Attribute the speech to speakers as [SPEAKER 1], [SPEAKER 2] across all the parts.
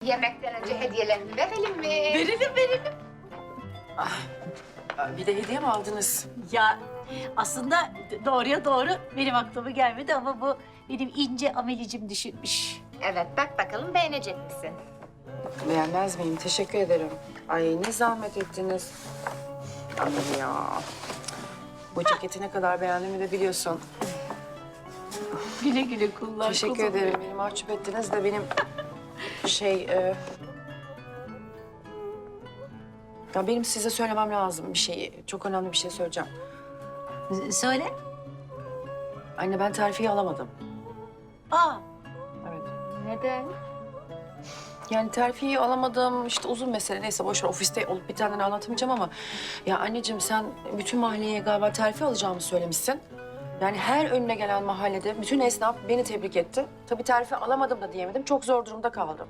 [SPEAKER 1] yemekten önce hediyelerini verelim mi?
[SPEAKER 2] Verelim.
[SPEAKER 3] Bir de hediye mi aldınız?
[SPEAKER 2] Ya aslında doğruya doğru benim aklıma gelmedi ama bu benim ince amelicim düşünmüş.
[SPEAKER 1] Evet, bak bakalım beğenecek misin?
[SPEAKER 3] Beğenmez miyim? Teşekkür ederim. Ay ne zahmet ettiniz. Ay ya. Bu ceketi ne kadar beğendiğimi de biliyorsun.
[SPEAKER 2] Güle güle kullan.
[SPEAKER 3] Teşekkür
[SPEAKER 2] kuzum.
[SPEAKER 3] ederim. Beni mahcup ettiniz de benim ya benim size söylemem lazım bir şeyi. Çok önemli bir şey söyleyeceğim.
[SPEAKER 2] Söyle.
[SPEAKER 3] Anne ben terfiyi alamadım.
[SPEAKER 2] Aa,
[SPEAKER 3] Evet.
[SPEAKER 1] Neden?
[SPEAKER 3] Yani terfiyi alamadım. İşte uzun mesele. Neyse boş ver. Ofiste olup bitenden anlatamayacağım ama... Ya anneciğim sen bütün mahalleye galiba terfi alacağımı söylemişsin. Yani her önüne gelen mahallede bütün esnaf beni tebrik etti. Tabii terfi alamadım da diyemedim. Çok zor durumda kaldım.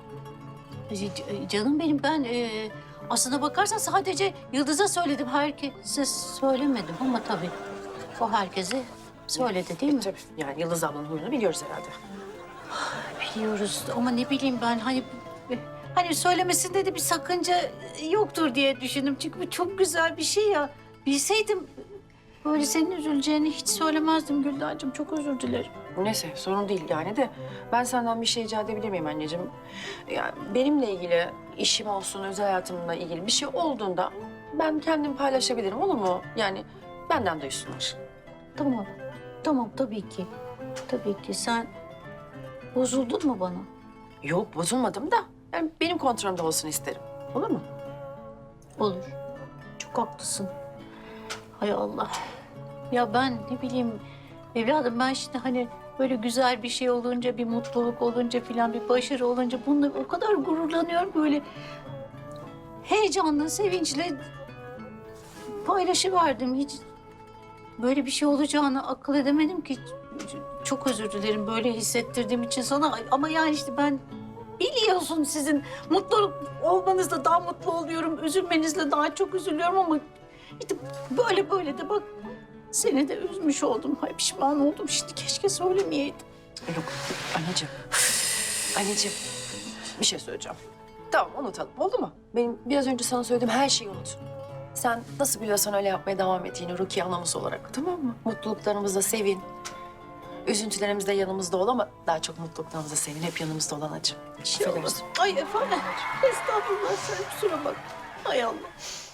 [SPEAKER 2] canım benim ben aslına bakarsan sadece Yıldız'a söyledim. Herkese söylemedim ama tabii o herkese söyledi değil mi?
[SPEAKER 3] Tabii yani Yıldız ablanın huyunu biliyoruz herhalde.
[SPEAKER 2] Biliyoruz ama ne bileyim ben hani söylemesinde de bir sakınca yoktur diye düşündüm. Çünkü bu çok güzel bir şey ya. Bilseydim böyle senin üzüleceğini hiç söylemezdim Güldancığım. Çok özür dilerim.
[SPEAKER 3] Neyse sorun değil yani de ben senden bir şey rica edebilir miyim anneciğim? Yani benimle ilgili işim olsun, özel hayatımla ilgili bir şey olduğunda ben kendim paylaşabilirim olur mu? Yani benden duysunlar.
[SPEAKER 2] Tamam. Tamam tabii ki. Tabii ki. Sen bozuldun mu bana?
[SPEAKER 3] Yok bozulmadım da yani benim kontrolümde olsun isterim. Olur mu?
[SPEAKER 2] Olur. Çok haklısın. Hay Allah. Ya ben ne bileyim evladım ben şimdi hani böyle güzel bir şey olunca, bir mutluluk olunca filan, bir başarı olunca bununla o kadar gururlanıyorum böyle. Heyecanla, sevinçle paylaşıverdim. Hiç böyle bir şey olacağını akıl edemedim ki. Çok özür dilerim böyle hissettirdiğim için sana. Ama yani işte ben biliyorsun sizin mutlu olmanızla daha mutlu oluyorum. Üzülmenizle daha çok üzülüyorum ama işte böyle de bak seni de üzmüş oldum. Ay pişman oldum şimdi keşke söylemeyeydim.
[SPEAKER 3] Yok anneciğim. Anneciğim bir şey söyleyeceğim. Tamam unutalım oldu mu? Benim biraz önce sana söylediğim her şeyi unut. Sen nasıl biliyorsan öyle yapmaya devam et yine Rukiye anamız olarak tamam mı? Mutluluklarımızda sevin. Üzüntülerimizde yanımızda ol ama daha çok mutluluklarımızda sevin. Hep yanımızda olan acım.
[SPEAKER 2] Şey olmasın. Ay efendim. Estağfurullah sen kusura bak. Hay Allah.